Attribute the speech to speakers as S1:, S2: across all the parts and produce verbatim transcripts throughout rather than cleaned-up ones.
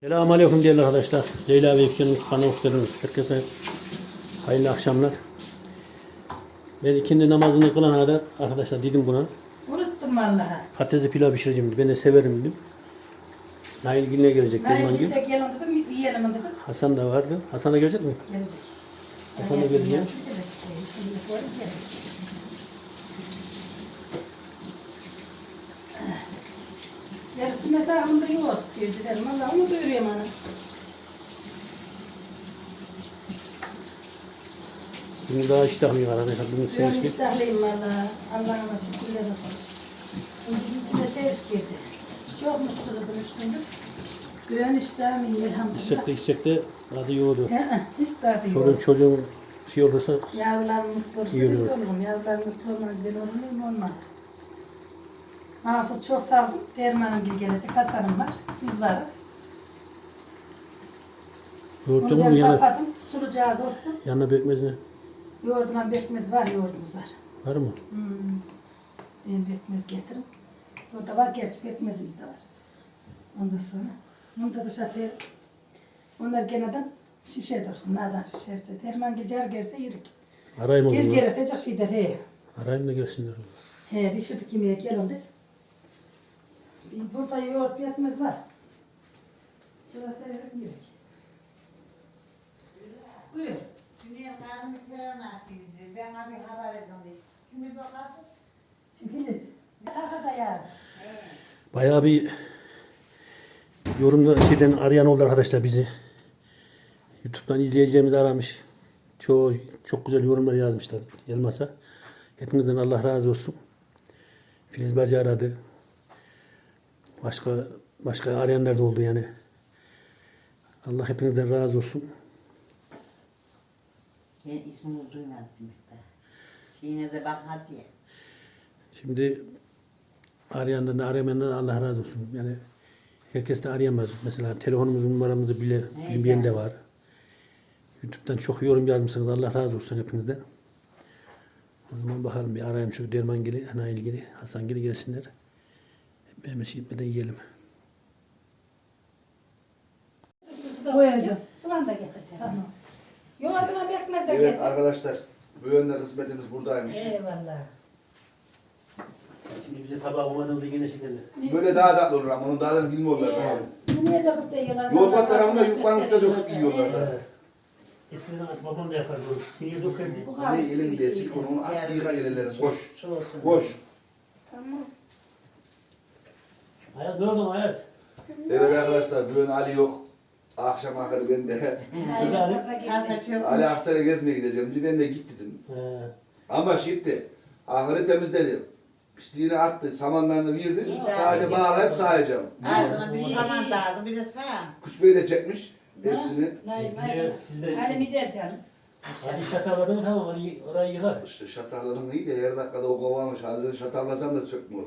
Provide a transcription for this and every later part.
S1: Selamünaleyküm değerli arkadaşlar. Leyla ve Yüksel'in kanalına hoş geldiniz. Herkese hayırlı akşamlar. Ben ikindi namazını kılana kadar arkadaşlar dedim buna.
S2: Unuttum vallahi.
S1: Patatesi pilav pişireceğim dedi. Ben de severim dedim. Nail Gül'e gelecek Derman
S2: Nail
S1: Gül.
S2: de gelin dedim, yiyelim dedim.
S1: Hasan da vardı. Hasan da gelecek mi?
S2: Gelecek.
S1: Hasan da gelecek.
S2: Gelecek. Şimdi koyalım, gelecek. Yarısı mesela onda yoğurt sevdilerim. Valla onu görüyorum ana.
S1: Bugün daha iştahlıyım arkadaşlar. Bugün
S2: Ben
S1: sevişli.
S2: iştahlıyım valla. Allah'ıma şükürler olsun. Şimdi içine seviş girdi. Çok mutsuzum üstündür. Güven iştahım iyi elhamdülillah.
S1: İçecekte içecekte adı yoğurdu.
S2: He, he, hiç tadı yok.
S1: Çoluğun çocuğun şey olursa
S2: Yavrular mutlu olursa
S1: İyi
S2: biz
S1: olur.
S2: olurum. Yavrular mutlu olmaz, ben olur muyum? Olmaz. Mahsus çok saldım. Dermanım gibi gelecek. Hasan'ım var. Biz varız.
S1: yoğurttu
S2: Onu
S1: mu
S2: ben
S1: yanına,
S2: kapadım. Sulucağız olsun.
S1: yanına bekmez ne?
S2: Yoğurduna bekmez var, yoğurdumuz var.
S1: Var mı?
S2: Hmm. Ben bekmez getiririm. Orada var, gerçi bekmezimiz de var. Ondan sonra. Onu da dışarı ser. Onlar geneden şişe dursun. Nereden şişerse. Derman gecer gerse yerik.
S1: Arayayım o
S2: Geç
S1: zaman.
S2: gelirse çok şey der. He.
S1: Arayayım da gelsinler.
S2: He, pişirdik yemeğe gelin de. Burada yoğurt yetmez var. Şurası evet gerek. Buyur.
S3: Dünya karnımızdan atıyoruz. Ben abi haber edeyim. Kimi bakarsın?
S2: Filiz. Kasa da yaz.
S1: Bayağı bir yorumda şeyden arayan oldu arkadaşlar bizi. YouTube'dan izleyeceğimizi aramış. Çoğu çok güzel yorumlar yazmışlar Yılmaz'a. Hepinizden Allah razı olsun. Filiz Bacı aradı. Başka başka arayanlar da oldu yani. Allah hepinizden razı olsun.
S3: Ben ismini duymadım da. Şeyinize bakmadı ya.
S1: Şimdi arayandan da aramayandan da Allah razı olsun. Yani herkes de arayamaz. Mesela telefonumuzun numaramızı bile bilmeyen de var. YouTube'dan çok yorum yazmışsınız. Allah razı olsun hepinizden. O zaman bakalım bir arayayım şu Derman Gili, ana ilgili, Hasan Gili gelsinler. Hep hemen şey gitmeden yiyelim.
S2: Koyacağım. Soğan da getir. Tamam. Yoğurduma bekmez de
S4: Evet
S2: getir.
S4: arkadaşlar, bu yönde kısmetimiz buradaymış.
S2: Eyvallah.
S1: Şimdi bize tabağı olmadığında yine şekerli.
S4: Böyle daha tatlı olur ama onu daha da bilmiyorlar. Tamam.
S2: Bunu niye döküp de yiyorlar?
S4: Yoğurt tarafında yufkanın üstüne döküp yiyorlar da.
S1: Eskiden babam da yapardı. Sinir dökerdi.
S2: Bu
S4: Ne
S2: kalmış bir
S4: elimde
S2: şey.
S4: silikon onu at yıka gelirler. Boş.
S3: Soğusun.
S4: Boş.
S2: Tamam.
S1: Ayaz ne oldu Ayaz?
S4: Evet arkadaşlar, bu yön Ali yok. Akşam akarı ben de.
S1: Hadi Ali.
S3: Kasa çok.
S4: Ali Aksaray'a gezmeye gideceğim. Ben de git dedim.
S1: He.
S4: Ama şimdi ahırı temizledim. Pisliğini attı, samanlarını verdim.
S3: İyi,
S4: Sadece
S3: daha iyi.
S4: bağlayıp sayacağım.
S3: Ağzına bir saman dağıdı bir de sağ.
S4: Kusbeyi de çekmiş hepsini.
S2: Hayır,
S1: Niye
S2: hayır.
S1: sizde-
S2: Halim gider canım.
S1: Hadi şataladın mı tamam hadi orayı yıkar.
S4: İşte şatarladım iyi de her dakikada o kovamış. Hadi şatarlasam da sökmüyor.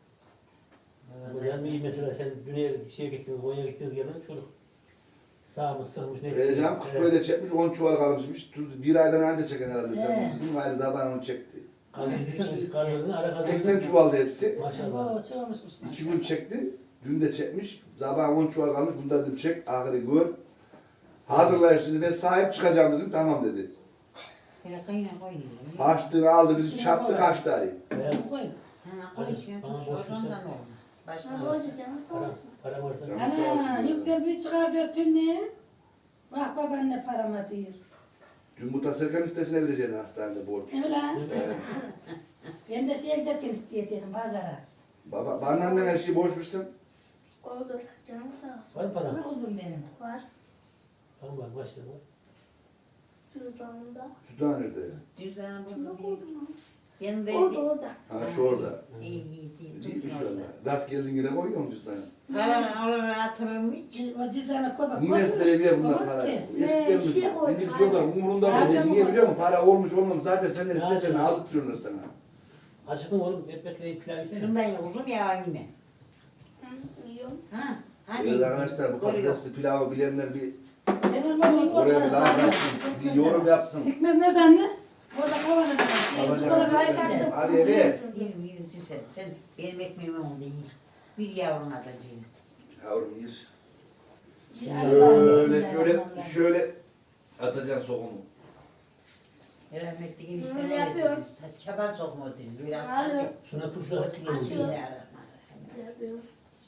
S1: Yani mesela sen düne şeye gittin, Konya'ya gittin yerden çocuk sağmış, sığmış ne?
S4: Heyecan kusbeyi de çekmiş, on çuval kalmışmış. Bir aydan önce çeken herhalde sen.
S2: He.
S4: Bugün ayrı zaman onu çekti.
S1: Kaldırdıysan kaldırdın, ara kaldırdın.
S4: seksen çuvaldı hepsi.
S1: Maşallah.
S2: Oo, çoğumuşmuş.
S4: İki gün çekti. Dün de çekmiş. Sabah on çuval kalmış. Bunda dedim çek. Ahırı gör. Hazırlar şimdi ben sahip çıkacağım dedim. Tamam dedi.
S3: Böyle kıyına koyuyor.
S4: Harçlığını aldı bizi çarptı kaçtı Ali.
S1: Beyaz.
S2: Koy.
S3: Ha, koy içine
S1: Bana
S3: tut.
S1: boş
S3: Ondan
S1: versen.
S3: olmaz. Başka
S2: Ha,
S3: olmaz.
S2: boyacı canım, sağ
S1: Para,
S2: olsun.
S1: para varsa.
S4: Canım sağ olsun
S2: Ana,
S4: ya.
S2: yüksel bir çıkar dörtün ne? Bak babaanne parama diyor.
S4: Dün Mutat Serkan listesine vereceğiz hastanede borç.
S2: Ne lan?
S4: Evet.
S2: Ben de şeye giderken isteyecektim pazara.
S4: Baba, bana annen her şeyi borç versin.
S5: Olur. Canım sağ olsun.
S1: Var mı para?
S2: Kuzum benim.
S5: Var.
S1: Tamam var, başla var.
S5: Cüzdanımda.
S4: Cüzdan nerede?
S3: Cüzdanı
S5: Şunu
S3: burada değil.
S5: koydum lan.
S3: Yanındaydı.
S5: Orada orada.
S4: Ha şu orada.
S3: İyi iyi değil.
S4: Değilmiş
S3: Tut
S4: şu
S3: orada.
S4: anda. Gaz geldin yine koyuyor mu cüzdanı?
S3: Kalan oralara atırım hiç.
S2: O cüzdanı koy bak.
S4: Niye eskilere bir bunlar
S2: Olmaz
S4: para?
S2: ki.
S4: Eskiden
S5: Ee, şey
S4: mi?
S5: koydum,
S4: Şimdiki çocuklar
S5: harca.
S4: umurunda
S2: Harca
S4: mı?
S2: mı
S4: Niye biliyor musun?
S2: koydun?
S4: Para olmuş olmamış zaten senden
S1: Harca.
S4: isteyeceğini aldırtıyorlar sana.
S1: Acıktın oğlum, hep bekleyip pilav yesene.
S3: Bundan yoruldum ya yine.
S5: Hı, yiyorum.
S3: Ha? Hani?
S4: Evet arkadaşlar bu
S3: Koyuyor.
S4: patatesli pilavı bilenler bir
S2: Ben olmam.
S4: oraya bir like yapsın, bir yorum yapsın.
S2: Pekmez nerede anne? Orada kavanoz var.
S4: Alacağım.
S5: Alacağım.
S4: Hadi ver.
S3: Yerim yerim sen. Sen benim ekmeğimi oldu yiyin. Bir yavrun atacağım.
S4: Yavrum yer. Şöyle şöyle şöyle atacaksın sokumu.
S3: Rahmetli gibi
S5: Bunu
S3: işte ne
S5: yapıyorum.
S3: dedi? Çaban sokma diyor. Biraz
S5: Alo.
S1: Şuna turşu atılır mı?
S5: Açıyor.
S3: Bismillahirrahmanirrahim.
S5: Yapıyorum.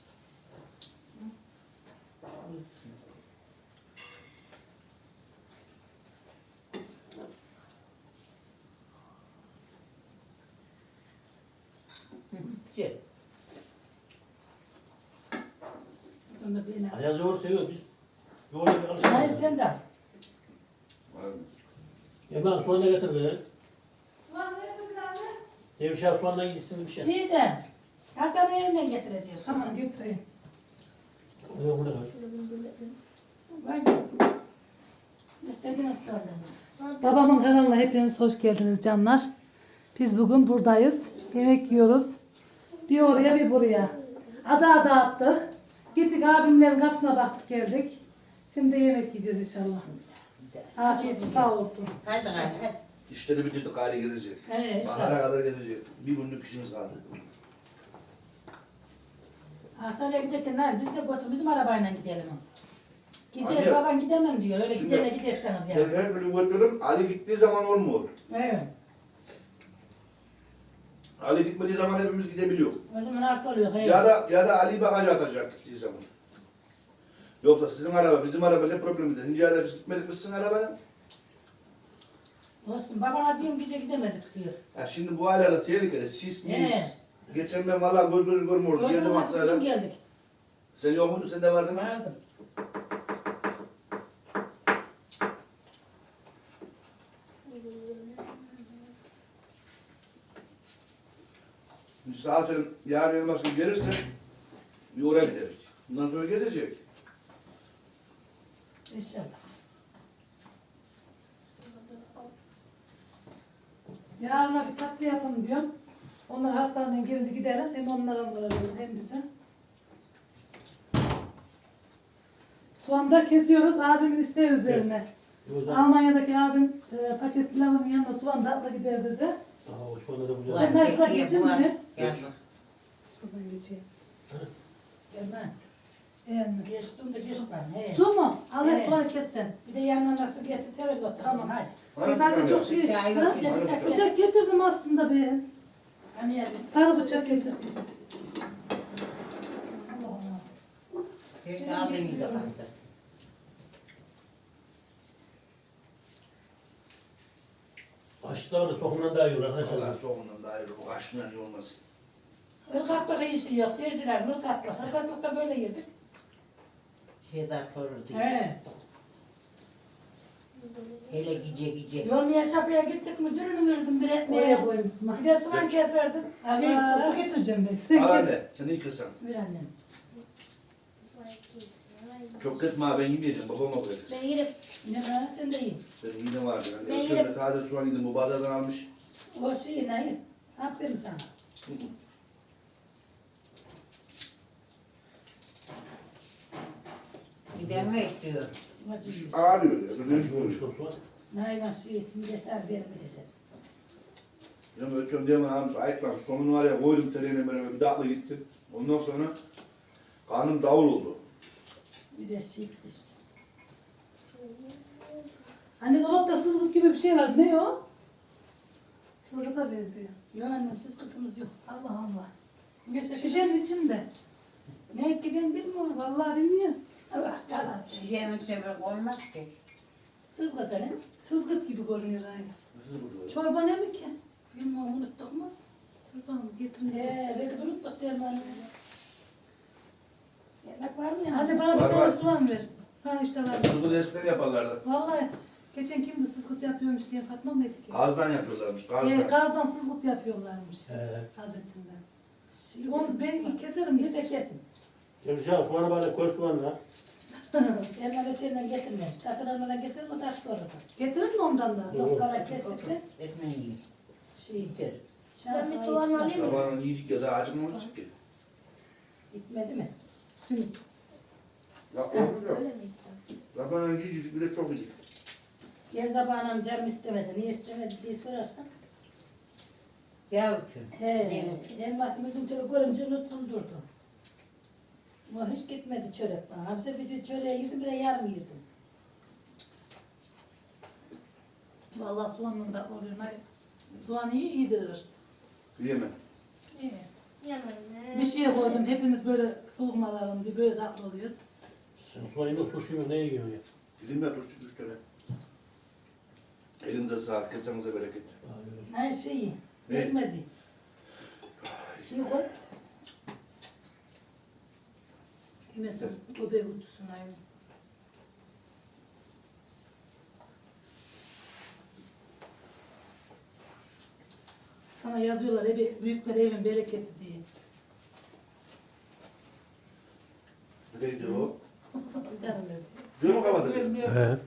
S3: Gel.
S2: Onu da beğenelim.
S1: Ayaz yoğurt seviyor biz. Yoğurda bir
S2: Hayır
S1: alışıyoruz.
S2: sen de.
S4: Var mı?
S1: Hemen soğan da getir be. Devşah soğanla gitsin bir şey.
S2: Şeyden. Hasan'ı evinden getireceğiz. Tamam getireyim.
S1: Yok bu ne kadar?
S5: Şöyle bunu böyle yapayım.
S2: Var. İstediğiniz sorun. Babamın kanalına hepiniz hoş geldiniz canlar. Biz bugün buradayız. Yemek yiyoruz. Bir oraya bir buraya. Ada ada attık. Gittik abimlerin kapısına baktık geldik. Şimdi yemek yiyeceğiz inşallah. Afiyet şifa olsun.
S3: Hadi hadi hadi.
S4: İşleri bitirdik gari gezecek.
S2: He
S4: Bahara
S2: inşallah.
S4: kadar gezecek. Bir günlük işimiz kaldı.
S2: Hastaneye giderken hayır biz de götür bizim arabayla gidelim. Gece
S4: Anne,
S2: baban gidemem diyor. Öyle
S4: şimdi-
S2: gidene giderseniz
S4: Ben
S2: yani.
S4: her türlü götürürüm. Ali gittiği zaman olmuyor.
S2: Evet.
S4: Ali gitmediği zaman hepimiz gidebiliyor.
S2: O zaman artı oluyor. He.
S4: Ya da ya da Ali bagajı atacak gittiği zaman. Yoksa sizin araba, bizim araba ne problemi de. Hincayla biz gitmedik mi sizin arabaya?
S2: Olsun babana diyorum gece gidemezdik diyor.
S4: Ya şimdi bu aylarda tehlikeli. Sis mis.
S2: He.
S4: Geçen ben valla göz göz görmüyordum. Geldim
S2: Bugün
S4: Aksaray'dan.
S2: geldik.
S4: Sen yok muydun? Sen de vardın mı?
S2: Vardım.
S4: Şimdi saat sen yarın elmas gibi gelirse bir oraya gideriz. Bundan sonra gezecek.
S2: İnşallah. Yarına bir tatlı yapalım diyorum. Onlar hastaneden gelince gidelim. Hem onlara varalım hem bize. Soğan da kesiyoruz abimin isteği üzerine.
S1: O zaman
S2: Almanya'daki abim e, paket pilavının yanında soğan da atla gider dedi.
S1: Aa, o soğanla da bu
S2: Ben
S1: güzel.
S2: de bırak geçeyim mi?
S3: Geldim.
S2: Buradan geçeyim.
S1: Hı.
S2: Gelme. Yani. Geçtim de geç ben. He.
S6: Su mu? Al
S2: Evet.
S6: hep soğan kessen.
S2: Bir de yanına su getir terörle otur.
S6: Tamam.
S2: Hadi.
S4: Bana
S6: E zaten
S4: bir
S6: çok
S4: tane
S6: şey.
S3: Çay
S6: Ha?
S3: yok.
S2: Bıçak bıçak getir.
S6: Bıçak getirdim aslında be.
S2: Hani yani.
S6: Sarı bıçak getirdim.
S2: Allah Allah.
S3: Bir de aldın yine kaldı.
S1: Aşıda var da sokumdan daha iyi olur
S4: Allah
S1: arkadaşlar.
S4: soğuğundan daha iyi olur. Kaşından iyi olmaz.
S2: Irgatlık işi yok. Seyirciler ırgatlık. Irgatlıkta böyle yedik.
S3: Şeyden sorur diye.
S2: He.
S3: Hele gece gece.
S2: Yolmaya çapıya gittik mi dürünü verdim bir
S6: Oraya
S2: etmeye.
S6: koymuşsun.
S2: Bir de soğan keserdim.
S6: Şey,
S2: Allah.
S6: su getireceğim ben. Sen
S4: Al
S6: kes.
S4: anne. Sen iyi kesen.
S2: Bir annem.
S4: Çok kesme ha, ben yemeyeceğim. Babama koyarız.
S5: Ben yerim.
S2: Ne var sen de yiyin.
S4: Benim midem vardı.
S5: Ben
S4: Yani
S5: yerim.
S4: ötürme taze soğan yedim. Bu bazardan almış.
S2: O şey ne yiyin. Aferin sana.
S3: Giden mi istiyor?
S2: Acı yiyin.
S4: Ağrıyor ya. Böyle
S1: Şu
S4: oluyor.
S1: şu soğan.
S2: Nayvan şey ismi de ser verir bir de.
S4: Ya ötüyorum diye bana almış. Ayıklamış. Sonunu var ya koydum tereyağına beraber. Bir dakika gittim. Ondan sonra karnım davul oldu.
S2: Bir de şey işte.
S6: Anne dolapta sızgıt gibi bir şey var. Ne o? Sızgıta benziyor.
S2: Yok annem siz kıtımız yok.
S6: Allah Allah.
S2: Geçen
S6: Şişenin içinde.
S2: ne etti ben bilmiyorum.
S6: Vallahi bilmiyorum.
S2: Allah yalan.
S3: Şişenin sebep olmaz ki.
S2: Siz kıtını.
S6: Sızgıt gibi görünüyor aynı.
S4: Nasıl bu?
S6: Çorba ne mi ki?
S2: Bilmiyorum unuttuk mu?
S6: Çorba mı? Getirin.
S2: Eee belki de unuttuk dermanı. Yemek var mı ya?
S6: Hadi bana bir
S4: Var,
S6: tane
S4: var.
S6: soğan ver. Ha işte var.
S4: Sıvı eskiden yaparlardı.
S6: Vallahi geçen kimdi sızgıt yapıyormuş diye Fatma mıydı ki?
S4: Gazdan yapıyorlarmış.
S6: Ee,
S4: Gazdan.
S6: gazdan sızgıt yapıyorlarmış.
S1: He.
S6: Hazretinden.
S2: Şey,
S6: Onu ben keserim.
S2: Bir de kesin.
S1: Devşah soğanı bana koy soğanla.
S2: Elma öteyden getirmeyin. Satın almadan getirin o tatlı orada.
S6: Getirir mi ondan da?
S2: Yok kara kestik de.
S3: Etmen yiyin.
S2: Şey.
S3: Bitir.
S2: Şansına
S5: Ben bir tuğan
S2: hiç
S5: alayım mı?
S4: Sabahın yiyecek ya da acıkmamıştık ki.
S2: gitmedi mi?
S6: Şimdi
S4: Ya olmuyor.
S5: Öyle mi?
S4: Sabahın yiyecek bile çok yedik.
S2: Gel zamanım canım istemedi. Niye istemedi diye sorarsan.
S3: Yavrucuğum.
S2: He. Elmasım üzüntülü görünce unuttum durdum. Ama hiç gitmedi çörek bana. Hamza bir çöreğe girdim, bir de yarım girdim.
S6: Vallahi soğanın da oluyor. Nay- Soğan iyi yedirir.
S4: Yiyemem.
S6: İyi.
S5: Yemeğine.
S6: Bir şey koydum. Hepimiz böyle soğumalarım diye böyle tatlı oluyor.
S1: Sen soğanı turşuyu neye yiyorsun ya?
S4: Dedim ya turşu üç tane. Elinize sağlık, kesenize bereket.
S2: Her şeyi.
S4: Ne?
S2: Yetmezi. Şey koy.
S6: Yemesin. Göbeği uçsun aynı. Sana yazıyorlar evi, büyükler evin bereketi diye.
S4: Nereye gidiyor o?
S6: Canım benim.
S4: Diyor mu kapadı?
S1: He.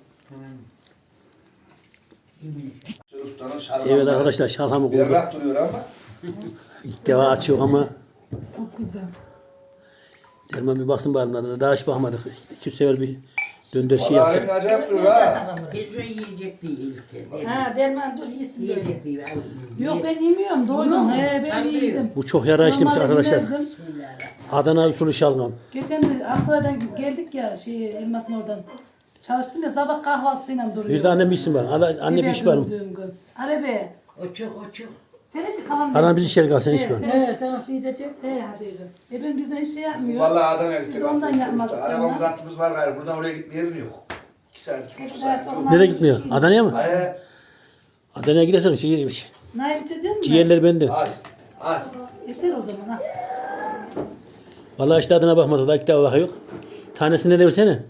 S4: Ustanın şalgamı.
S1: Evet arkadaşlar şalhamı koyduk.
S4: Berrak duruyor ama.
S1: İlk defa açıyor ama
S6: Çok güzel.
S1: Derman bir baksın bari bunlara. Daha hiç bakmadık. İki sefer bir döndür şey
S4: Vallahi
S1: yaptık.
S4: acayip duruyor ha.
S7: Hiç yiyecek değil.
S2: Ha derman dur yesin böyle.
S7: Yiyecek değil.
S6: Yok ben yemiyorum doydum. He ben
S7: Ben de
S6: yedim.
S1: Bu çok yara işlemiş
S6: Normalde
S1: arkadaşlar.
S6: yemezdim.
S1: Adana usulü şalgam.
S6: Geçen de Aksaray'dan geldik ya şey elmasın oradan. Çalıştım ya sabah kahvaltısıyla duruyor.
S1: Bir de annem bir isim var. Ana- Anne bir iş var mı?
S6: Arebe.
S7: O çok o çok.
S6: Sen hiç kalan
S1: Anam bizi içeri kal sen iş var.
S6: He sen o şey diyecek. He hadi. E ben bizden hiç şey yapmıyor.
S4: Vallahi Adana'ya
S6: Biz
S4: gidecek.
S6: ondan
S4: aslında.
S6: yapmadık
S4: Arabamız
S6: canım.
S4: hattımız var gayrı. Buradan oraya gitme yerin yok. İki saat, üç buçuk
S2: Tekrar
S4: saat.
S2: sonra-
S1: Nereye gitmiyor? Adana'ya mı?
S4: Ay,
S6: Adana'ya
S1: gidersen şey,
S6: Nail içecek misin?
S1: ciğerleri bende.
S4: az, az.
S6: Yeter o zaman ha.
S1: Vallahi işte adına bakmadık. Daha ilk defa bakıyor. Tanesini ne versene?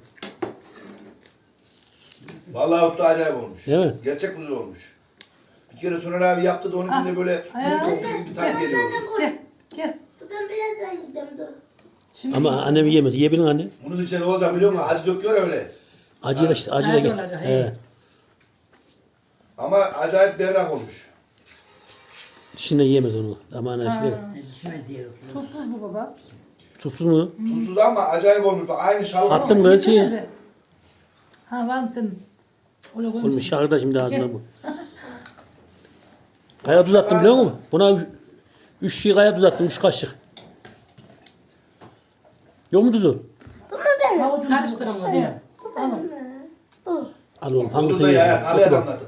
S4: Vallahi usta acayip olmuş.
S1: Değil mi?
S4: Gerçek kuzu olmuş. Bir kere Soner abi yaptı da onunkinde böyle
S6: Ay,
S4: kum kokusu gibi tat geliyordu.
S6: Gel. Gel.
S5: Ben birazdan giderim dur.
S6: Şimdi
S1: Ama annem yiyemez. Yiyebilir anne.
S4: Bunun içine ne olacak biliyor musun? Acı döküyor öyle.
S1: Acıyla işte. Acıyla
S6: Acı
S1: gel.
S6: olacak,
S1: He.
S6: he.
S4: Ama acayip berrak olmuş.
S1: Dişinden yiyemez onu. Aman
S6: Ha.
S1: şey.
S7: Dişime diyor.
S6: Tuzsuz bu baba.
S1: Tuzsuz mu?
S4: Tuzsuz ama acayip olmuş. Bak aynı şalgam.
S1: Attım böyle şey.
S6: Yesene be. Ha var mı senin? Öyle
S1: Olmuş
S6: koymuşsun.
S1: şahırda şimdi ağzına bu. Kaya tuz attım biliyor musun? Buna üç, üç şey kaya tuz attım. Üç kaşık. Yok mu tuzu?
S6: Havucunu
S2: Karıştırın o
S6: He.
S2: zaman.
S6: Tamam.
S1: Al oğlum.
S4: Bunu
S1: Hangisini
S4: da ya,
S1: yiyorsun?
S4: alaya
S1: Otur bak.
S4: damladım.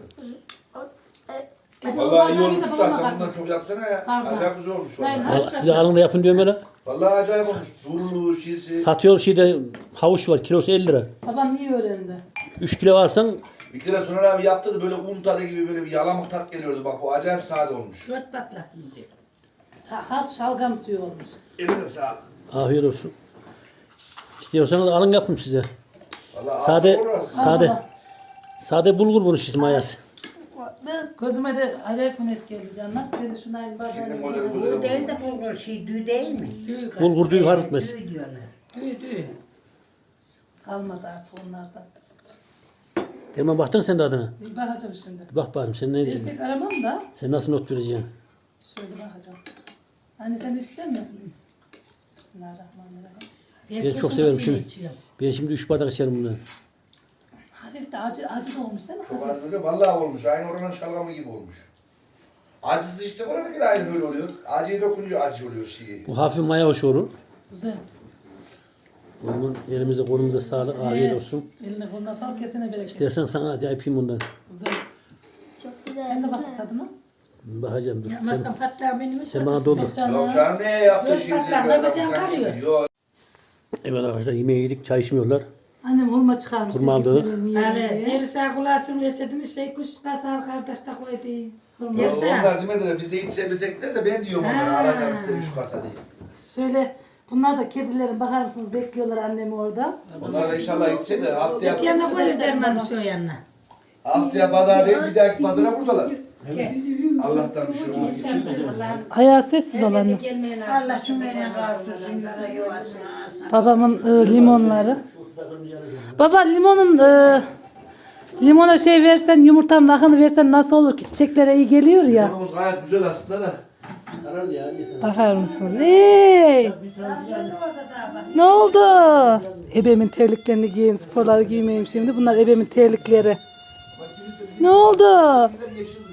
S6: E, bu
S4: Vallahi iyi
S6: bardağı
S4: olmuş
S6: bir de
S4: usta.
S6: babama
S4: Sen
S6: bak.
S4: bundan çok yapsana ya.
S6: Pardon.
S4: Acayip güzel olmuş
S6: Hayır,
S4: vallahi.
S1: Al, size alın da yapın diyorum öyle.
S4: Vallahi acayip olmuş. Durulu, şişi.
S1: Satıyor şeyde havuç var. Kilosu elli lira.
S6: Babam iyi öğrendi.
S1: üç kilo alsan
S4: Bir kere Soner abi yaptı da böyle un tadı gibi böyle bir yalamık tat geliyordu. Bak bu acayip sade olmuş.
S2: Dört patlak yiyecek.
S6: Ha- Has şalgam suyu olmuş.
S4: Eline sağlık.
S1: afiyet olsun. İstiyorsanız alın yapın size.
S4: Vallahi
S1: Sade,
S4: asıl olur aslında.
S1: sade,
S6: baba.
S1: sade bulgur bunu işte mayası.
S6: Gözüme de acayip güneş geldi canlar. Ben de şunu aynı
S4: Kendim
S6: bardağına
S4: modeli
S6: koyayım.
S7: Bu değil
S4: modeli
S7: de bulgur şey düğü değil mi?
S2: Düğü kay.
S1: Bulgur düğü harıtmaz.
S7: Düğü diyorlar.
S2: Düğü düğü.
S6: Kalmadı artık onlardan.
S1: Derman baktın sen de adına.
S6: Bir bakacağım şimdi.
S1: Bak bakayım sen ne
S6: Bir
S1: diyeceksin?
S6: tek aramam da
S1: Sen nasıl not vereceksin?
S6: şöyle bakacağım. Anne sen de içecek misin? Bismillahirrahmanirrahim.
S1: Ben çok severim şimdi. Ben şimdi üç bardak içerim bundan.
S6: Hafif de acı, acı da olmuş değil mi?
S4: Çok
S6: Hafif.
S4: az böyle vallahi olmuş. Aynı oranın şalgamı gibi olmuş. Acısı işte oranınki de aynı böyle oluyor. Acıyı dokununca acı oluyor şeyi.
S1: Bu hafif maya hoş olur.
S6: Güzel.
S1: O zaman elimize kolumuza sağlık, afiyet olsun.
S6: Eline koluna sağlık, kesene bereket.
S1: İstersen sana hadi yapayım bundan.
S6: Güzel.
S5: Çok güzel.
S6: Sen de bak tadına.
S1: Bakacağım dur.
S2: Yapmazsan
S1: Sen,
S2: patlağı benim hiç
S1: sen bana
S2: patlasın.
S1: doldur.
S6: Yok canım.
S4: Yok canım neye yaptı
S2: Yok,
S4: şimdi?
S2: patlar,
S4: Böyle
S2: babacan
S4: adam sen
S2: kalıyor.
S4: şimdi. Yok.
S1: Evet arkadaşlar yemeği yedik, çay içmiyorlar.
S6: Annem hurma çıkarmış.
S1: Hurma aldı.
S2: Yani Perişan kulağın reçetini şey kuşuna sağ kardeş de koydu.
S4: Yok,
S2: Perişan.
S4: onlar demediler biz de içebilsekler de ben diyorum onlara
S2: Ha.
S4: alacağım size şu kasa diye.
S6: Şöyle bunlar da kedilerin bakar mısınız bekliyorlar annemi orada.
S4: Onlar da inşallah içecekler haftaya,
S2: Yanına koydu derman şu yanına.
S4: haftaya pazar değil bir dahaki pazara buradalar. Allah'tan bir şey olmaz.
S6: Ayağı sessiz ol anne.
S3: Allah cümlenin kavuştursun, yuvasına alsın.
S6: Babamın e, limonları. Baba limonun e, limona şey versen yumurtanın akını versen nasıl olur ki çiçeklere iyi geliyor ya.
S4: Limonumuz gayet güzel aslında da.
S6: Bakar mısın? Hey! Ne oldu? Ebemin terliklerini giyeyim, sporları giymeyeyim şimdi. Bunlar ebemin terlikleri. Ne oldu?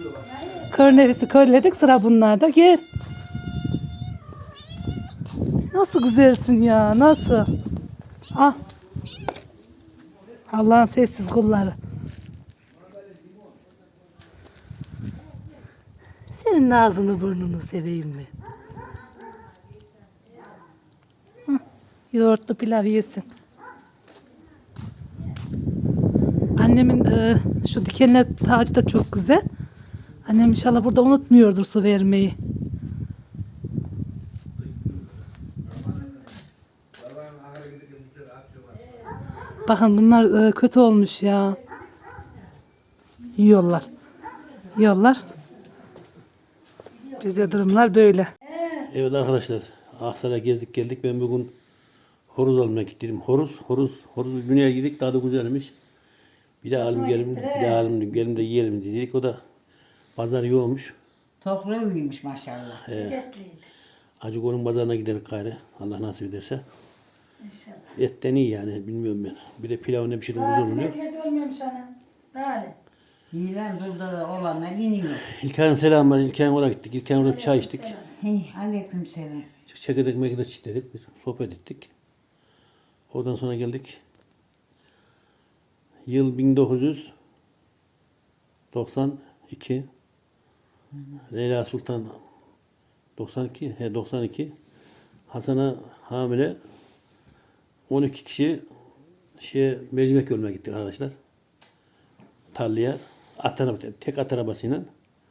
S6: Kör nefesi körledik, sıra bunlarda. Gel. Ne Nasıl güzelsin ya, nasıl? Ah. Allah'ın sessiz kulları. Senin ağzını burnunu seveyim mi? Hı, yoğurtlu pilav yesin. Annemin e, şu dikenler tacı da çok güzel. Annem inşallah burada unutmuyordur su vermeyi. Bakın bunlar e, kötü olmuş ya. Yiyorlar. Yiyorlar. Bizde durumlar böyle.
S1: Evet arkadaşlar, Aksaray'a gezdik geldik. Ben bugün horoz almaya gittim. Horoz, horoz, horoz dünyaya gittik. Tadı güzelmiş. Bir daha alalım gelin, bir daha alalım gelin de yiyelim dedik. O da pazar yoğunmuş.
S7: Toplu büyümüş maşallah.
S2: Etliydi.
S1: Acıko'nun pazarına gidelim gayrı. Allah nasip ederse.
S2: İnşallah.
S1: Etten iyi yani, bilmiyorum ben. Bir de pilav ne pişirdim güzel
S2: Bazı
S1: oluyor.
S2: sinekler de olmuyormuş anam. Böyle.
S7: Yiyen durda olanlar iniyor.
S1: İlkay'ın selamı var. İlkay'ın oraya gittik. İlkay'ın orada bir çay içtik.
S7: Hey, aleyküm selam.
S1: Çekirdek mekide çitledik. Biz sohbet ettik. Oradan sonra geldik. Yıl bin dokuz yüz doksan iki. Leyla Sultan doksan iki. He doksan iki. Hasan'a hamile on iki kişi şeye mercimek yoluna gittik arkadaşlar. Tarlaya. At arabası, tek at arabasıyla.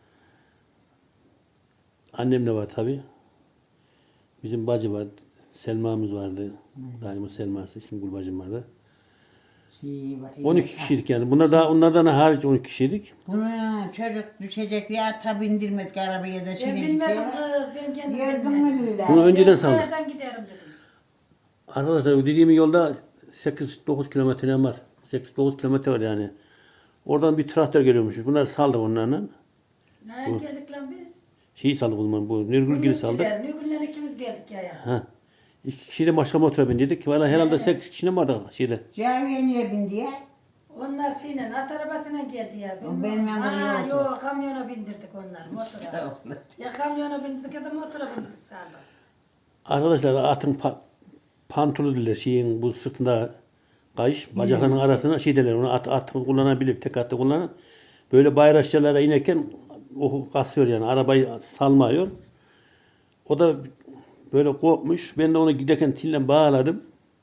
S1: Annem de var tabi. Bizim bacı var. Selma'mız vardı. Daima Selma'sı. İsmigül bacım vardı.
S7: Şey,
S1: on iki kişiydik yani. Bunlar daha onlardan hariç on iki kişiydik.
S7: Buna çocuk düşecek ya ata bindirmedik arabaya da
S2: Ben
S7: şimdi
S2: bilmedim
S7: gidiyor.
S2: kız. Ben kendim
S7: Gördün
S2: bilmedim.
S7: mü
S1: Bunu
S7: Lüla?
S1: önceden saldık.
S2: Nereden giderim dedim.
S1: Arkadaşlar dediğim yolda sekiz dokuz kilometre var. sekiz dokuz kilometre var yani. Oradan bir traktör geliyormuş. Bunlar saldık onlarla.
S2: Nereye geldik lan biz?
S1: Şeyi saldık o zaman. Bu Nurgül'ü saldık.
S2: Nurgül'le ikimiz geldik ya ya.
S1: Ha. İki kişiyle başka motora bindirdik. Valla herhalde sekiz kişi mi vardı şeyde.
S7: Caviye niye bindi ya?
S2: Onlar şeyle, at arabasıyla geldi ya.
S7: O benim yanımda
S2: Ha,
S7: yoktu.
S2: yok, kamyona bindirdik onları, motora. Ya kamyona bindirdik ya da motora bindirdik saldık.
S1: Arkadaşlar atın pa pantolu diler şeyin bu sırtında kayış bacaklarının arasına şey derler onu at, at kullanabilir tek atı kullanan böyle bayraşçılara inerken o kasıyor yani arabayı salmıyor. O da böyle korkmuş. Ben de onu giderken tille bağladım.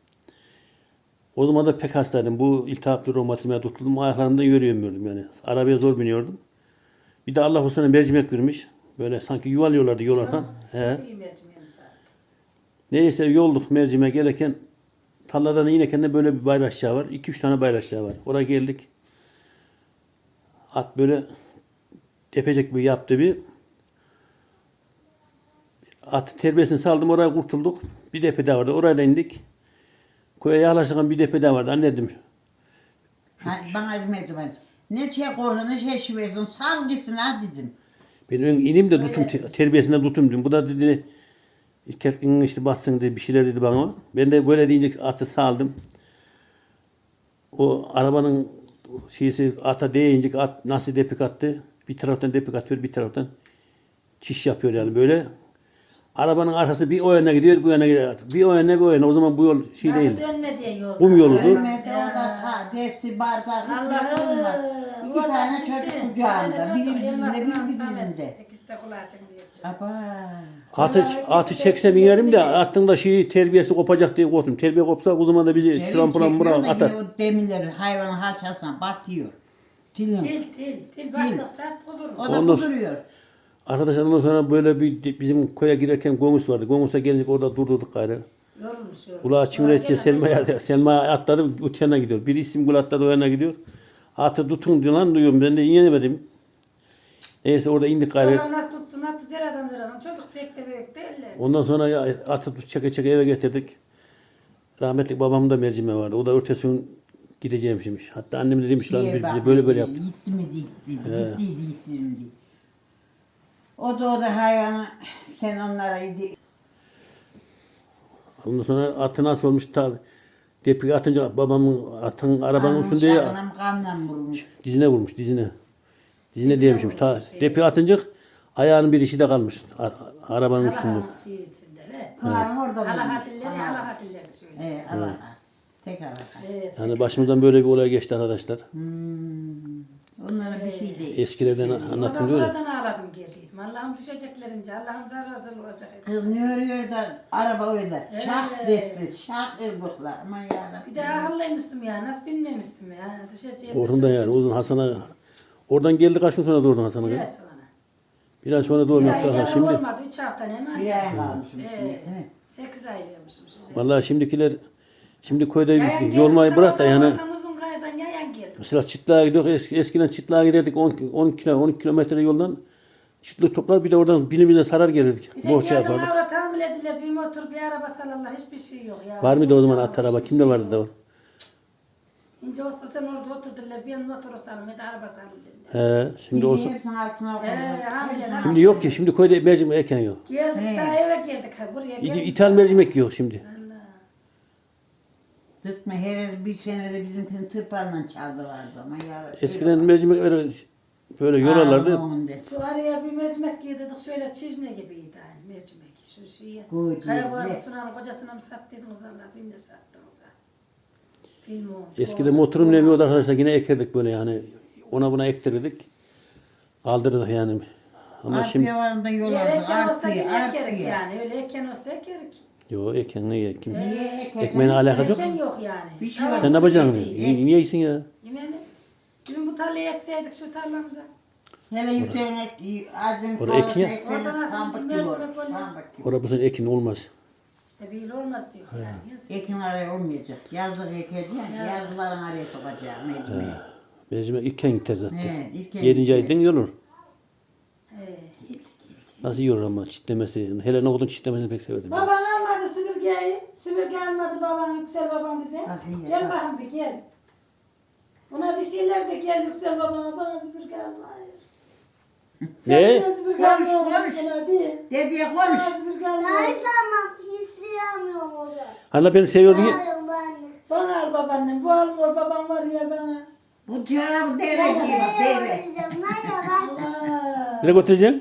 S1: O zaman da pek hastaydım. Bu iltihaplı romatizmaya tutuldum. Ayaklarımda yürüyemiyordum yani. Arabaya zor biniyordum. Bir de Allah o sene mercimek vermiş. Böyle sanki yuvalıyorlardı yolarken. He.
S2: İyi mercimeğimiz var.
S1: Neyse yolduk mercimeğe gelirken tarladan inerken de böyle bir bayraşçı var. iki üç tane bayraşçı var. Oraya geldik. At böyle tepecek bir yaptı bir. At terbiyesini saldım oraya kurtulduk. Bir depe daha vardı. Oraya da indik. Koya yaklaşırken bir depe daha vardı. Anne dedim.
S7: Ha, bana demedim ben. Ne şey korku ne şey şiversin sal gitsin ha dedim.
S1: Ben ön ineyim de tutum te- terbiyesinden tutum dedim. Bu da dedi İlkerkin işte bassın dedi bir şeyler dedi bana. Ben de böyle deyince atı saldım. O arabanın şeysi ata değince at nasıl depik attı. Bir taraftan depik atıyor bir taraftan çiş yapıyor yani böyle. Arabanın arkası bir o yana gidiyor bu yana gidiyor. Bir o yana bir o yana. O zaman bu yol şey
S2: Nasıl
S1: değil.
S2: dönme diye yolda.
S1: Kum yoludu.
S7: Ölmedi o da sağ dersi bardak
S2: Allah'ım.
S7: var. İki tane çocuk kucağında. Biri bizimde biri bizimde.
S2: İkisi de kulağı çıkıyor.
S7: Aba.
S1: Atı, atı çeksem inerim de attın da şeyi terbiyesi kopacak diye korktum. Terbiye kopsa o zaman da bizi şurampuran bura atar.
S7: O demirleri hayvanın halçasına batıyor. Tilin.
S2: Til til til baktık çat olur.
S7: O da
S1: Ondan-
S7: kuduruyor.
S1: Arkadaşlar ondan sonra böyle bir bizim koya girerken Gongus vardı. Gongus'a gelince orada durdurduk gayrı.
S2: Yorulmuş yorulmuş.
S1: Kulağı çimretçe Selma'ya Selma'ya atladı öte yana gidiyor. Bir isim gul atladı o yana gidiyor. Atı tutun diyor lan duyuyorum ben de inemedim. Neyse orada indik gayrı.
S2: Sonra nasıl tutsun atı zeradan zeradan. Çocuk pek de büyük değiller.
S1: Ondan sonra ya, atı tut çeke çeke eve getirdik. Rahmetli babamın da mercimeği vardı. O da örtesi gün gideceğim şimdi. Hatta annem de demiş lan
S7: Diye
S1: biz bize
S7: bak,
S1: böyle böyle yaptık.
S7: Gitti mi gitti.
S1: He.
S7: Gittiydi gitti mi diye. O da o da hayvanı sen onlara idi.
S1: Ondan sonra atı nasıl olmuş tabi. Depik atınca babamın atın arabanın üstünde ya,
S7: Anam kanla vurmuş.
S1: dizine vurmuş dizine. Dizine değmişmiş. Ta, depi atınca ayağının bir işi de kalmış. a- Arabanın üstünde.
S2: Allah'ın şeyi içinde. He.
S7: Pınar'ın orada
S2: Allah
S7: bulmuş.
S2: hatilleri, Allah hatilleri şöyle.
S7: Ee, Allah'a. Tek Allah'a.
S2: Evet.
S1: Yani başımızdan böyle bir olay geçti arkadaşlar.
S7: Hmm. Onlara bir şey değil.
S1: Eskilerden
S2: Oradan
S1: anlatın diyor ya.
S2: oradan ağladım geldiydim. Allah'ım düşeceklerince, Allah'ım zararsız olacak.
S7: Kız ne örüyor da araba öyle. Şak
S2: Evet.
S7: desli, şak ırbıklar. Aman yarabbim.
S2: Bir de akıllıymışsın ya, nasıl bilmemişsin ya. Düşeceğim.
S1: Oradan yani uzun Hasan'a. Oradan geldi kaç gün sonra doğurdun Hasan'a?
S2: Biraz sonra.
S1: Biraz sonra
S2: Bir
S1: doğum
S2: ay
S1: yaptı Hasan
S2: yalan
S1: şimdi.
S2: olmadı, üç hafta ne mi?
S7: Bir ay kalmışım
S2: Evet.
S7: şimdi. değil mi?
S2: Sekiz ay vermişim.
S1: Vallahi şimdikiler şimdi köyde
S2: Yayan geldi,
S1: yolmayı bırak da yani
S2: oradan uzun kayadan yayan geldi.
S1: mesela Çıtlığa gidiyor. Eski, eskiden Çıtlığa giderdik on, on kilo on iki kilometre yoldan çıtlık toplar bir de oradan bilimine sarar gelirdik.
S2: Bir de
S1: Bohça
S2: yazın
S1: yapardık.
S2: avra tahammül edilir, bir motor, bir araba salırlar, hiçbir şey yok ya.
S1: Var mıydı o zaman at araba?
S2: Hiçbir
S1: Kimde
S2: şey
S1: vardı da o?
S2: yok. İnce olsa sen orada oturdular, bir motoru salım, bir de araba salım dediler.
S1: He, şimdi
S7: Bir
S1: olsa.
S7: hepsinin altına
S2: Ee,
S7: koydular.
S2: aynen,
S7: Hepsinin
S1: Şimdi yok ki. Şimdi köyde mercimek eken yok.
S2: Geldik
S7: He.
S2: daha eve geldik, ha, buraya
S1: İ-
S2: geldik.
S1: İthal mercimek yok şimdi.
S2: Allah.
S7: Tutma her bir senede bizimkini tırpanla çaldılardı ama yarabbim.
S1: Eskiden mercimek öyle böyle yolarlardı.
S2: Şu araya bir mercimek giydirdik, şöyle çizne gibiydi yani mercimek. Şu şeyi.
S7: Koy
S2: Kayboğazı
S7: diye.
S2: Sunan'ın kocasına mı sattıydınız Allah, bin de sattınız ha. Bilmiyorum.
S1: Eskiden motorum ne yoktu arkadaşlar yine ekerdik böyle yani. Ona buna ektirdik. Aldırdık yani. Ama şimdi
S7: Arpaya varında yol
S2: Eğer
S7: aldık.
S2: eken olsa
S7: Arpaya,
S2: yine ekerik
S7: arpaya.
S2: yani. Öyle eken olsa ekerik.
S1: yok eken ne ye- kim?
S7: Niye ekelim?
S1: Ekmeğine alakası yok.
S2: Eken yok yani.
S7: Bir şey
S2: Tamam,
S7: yok.
S1: Sen ne yapacaksın?
S2: değil.
S1: Niye, niye iyisin ya?
S2: Yemeğini. Dün bu tarlayı ekseydik şu tarlamıza.
S7: Hele yükselene azim
S1: Orada ekin ya.
S2: Oradan nasıl bizim mercimek oluyor?
S1: Orada bu sene ekin olmaz.
S2: İşte bir yıl olmaz diyor. Yani. Yazık.
S7: Ekin araya olmayacak. Yazlık ekeceğim. Yazlıların araya sokacağım mecburi.
S1: Mercimek iken gider zaten.
S7: He, ilk
S1: Yedinci aydan yorulur.
S2: He.
S1: Nasıl yorulur ama çitlemesi. Hele nohudun çitlemesini pek severdim. ben.
S2: Baban almadı süpürgeyi. Süpürge almadı baban, Yüksel babam bize.
S7: Bak iyi,
S2: Gel
S7: bak.
S2: bakayım bir gel. Buna bir şeyler de gel Yüksel babama, bana süpürge alma.
S1: Ne?
S2: Sen süpürge
S7: Konuş,
S2: alma.
S7: konuş.
S2: Hadi.
S7: Dediye konuş.
S2: Bana süpürge alma.
S5: Saysamam hissiyamıyorum o zaman.
S1: Hala beni seviyordun ya.
S5: Sayıyorum ben de.
S2: Bana al babaannem. Bu almıyor babam var ya bana.
S7: Bu çorabı devre diye bak devre.
S5: Diyeceğim. Merhaba.
S2: Aa,
S1: Nereye götüreceksin?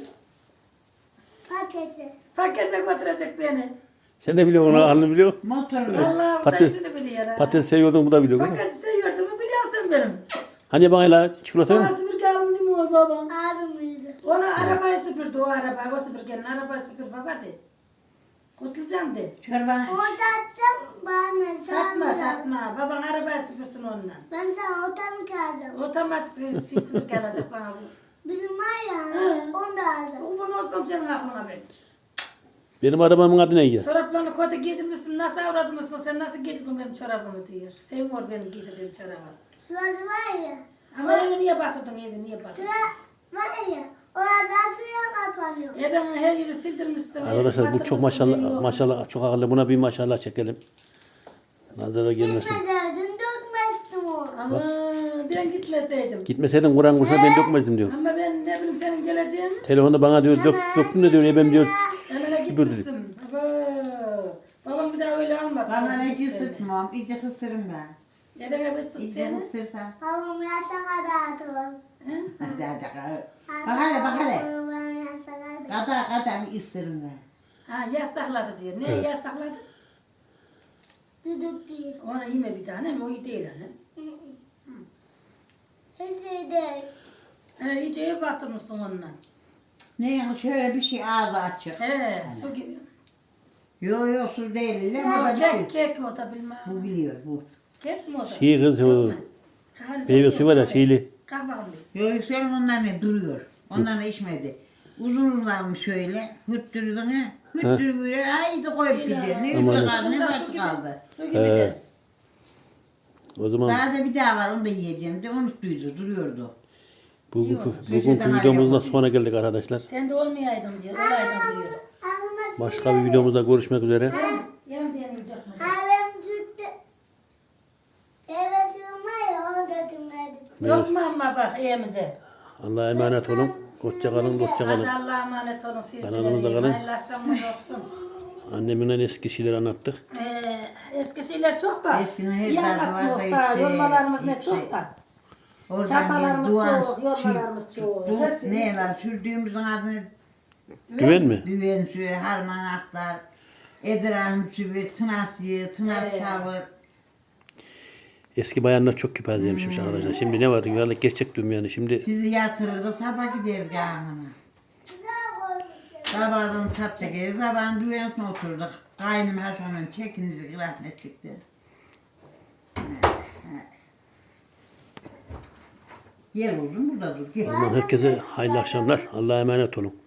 S5: Paketi.
S2: Pakete götürecek beni.
S1: Sen de biliyorsun onu halini biliyor.
S7: Motorla.
S2: Vallahi bu da
S1: Patates-
S2: işini biliyor ha.
S1: Patates seviyordun bu da biliyor. değil mi?
S2: Paketi seviyordum mu biliyorsun benim.
S1: Hani bana hala çikolata
S2: Bana
S1: mı?
S2: süpürge alın demiyor babam.
S5: Abim uyudu.
S2: Ona arabayı süpürdü o araba. O süpürgenin arabayı süpür baba de. Kurtulacağım de.
S7: Çorbanı.
S5: O satacağım bana
S2: Satma
S5: satma.
S2: satma. Baban arabayı süpürsün onunla.
S5: Ben sana otomu kazdım.
S2: Otomatik bir şey süpürge alacak bana bu.
S5: Bizim var ya
S2: Hı.
S5: onu da aldım.
S2: Bu bunu olsam senin aklına ben.
S1: Benim arabamın adı ne ya?
S2: Çoraplarını kötü giydirmişsin. Nasıl avradmışsın sen? Nasıl giydirdin benim çorabımı diyor. Sevmiyor benim giydirdiğim çorabı.
S5: Sırası var ya.
S2: Ama evi niye batırdın evi niye batırdın?
S5: Sıra var ya. Orada suya kapanıyor.
S2: E ben her yeri sildirmişsin. evi
S1: Arkadaşlar bu çok
S2: batırmışsın,
S1: maşallah
S2: evi yok.
S1: maşallah çok akıllı. Buna bir maşallah çekelim. Nazara gelmesin.
S5: Gitmedin dökmezdim onu.
S2: Ama ben gitmeseydim.
S1: Gitmeseydin Kur'an kursuna ben dökmezdim diyor.
S2: Ama ben ne bileyim senin geleceğini.
S1: Telefonda bana diyor dök, döktüm de diyor ebem diyor.
S2: Hemen
S1: Süpürdü.
S2: gitmişsin. Abo. Babam bir daha öyle almasın.
S7: Bana ne ısıtmam. İyice kısırım ben.
S2: Neden ısıt
S7: İyice
S2: seni?
S7: kısırsam.
S5: Havam yasaka dağıtır.
S2: He?
S7: Hadi hadi. hadi. Bak hele bak hele.
S5: Onu bana yasaka dağıtır.
S7: Kadar kadar bir ısırım ben.
S2: Ha yasakladı diyor. Ne
S1: Evet.
S2: yasakladı?
S5: Düdük değil.
S2: Ona yeme bir tane mi? O iyi değil hani.
S5: Hiç iyi değil.
S2: He iyice ev batırmışsın onunla.
S7: Ne yani şöyle bir şey ağzı açık.
S2: He su gibi.
S7: Yo yo su değil. Lan
S2: Ama
S7: bu
S2: kek
S7: biliyor.
S2: kek mi o da bilmem.
S7: Bu biliyor bu.
S2: Kek mi o da?
S1: Şey kız o
S2: Hadi
S1: meyve
S2: bakayım.
S1: suyu var ya şeyli.
S2: Kalk bakalım bir.
S7: Yo yükselim onlar ne duruyor. Onlar ne içmedi. Uzun uzanmış şöyle. Hüttürdün ha. Hüttür böyle haydi koyup gidiyor. Ne
S1: Aman
S7: üstü
S1: ya.
S7: kaldı ne başı kaldı.
S2: Su gibi
S1: He.
S2: de.
S1: O zaman
S7: Daha da bir daha var onu da yiyeceğim de unuttuydu duruyordu.
S1: bu, bu,
S2: Yok.
S1: bugünkü videomuzla sona geldik arkadaşlar.
S2: Sen de olmayaydın diyor. Olaydın diyor.
S5: Ağzıma
S1: Başka bir videomuzda görüşmek üzere.
S2: Yarın diyelim dökme.
S5: Abim sütte. Eve sığma ya onu götürmedim.
S2: Yok mu ama bak evimize.
S1: Allah'a emanet olun. Hoşça kalın, dostça
S2: Hadi
S1: kalın.
S2: Allah'a emanet olun
S1: Kanalımızda
S2: seyircilerim.
S1: kalın.
S2: Hayırlı akşamlar olsun.
S1: Annemle eski şeyler anlattık.
S2: Ee, eski şeyler çok da.
S7: Eskinin her
S2: iyi
S7: derdi
S2: anlatmıyor
S7: var da
S2: da.
S7: yüksek,
S2: Yormalarımız ne
S7: yüksek.
S2: çok da.
S7: Oradan
S2: Çapalarımız
S7: bir duvar,
S2: çok, yormalarımız
S7: sür-
S2: çok.
S7: dur-
S2: Her şey
S7: Ne
S2: çok.
S7: lan sürdüğümüzün adını
S1: Güven mi?
S7: düven suyu, harman aktar. Edirhan bir tınasıyı, tınas savur.
S1: Eski bayanlar çok kiparzeymişmiş arkadaşlar. Şimdi ne var? Dünyalık gerçek dünya. Şimdi
S7: Sizi yatırırdı, sabah gideriz yanına. Sabahdan sap çekeriz, sabahın düğünesine oturduk. Kaynım Hasan'ın çekinirdik rahmetlikleri. Gel oğlum burada dur, gel.
S1: o zaman herkese hayırlı akşamlar. Allah'a emanet olun.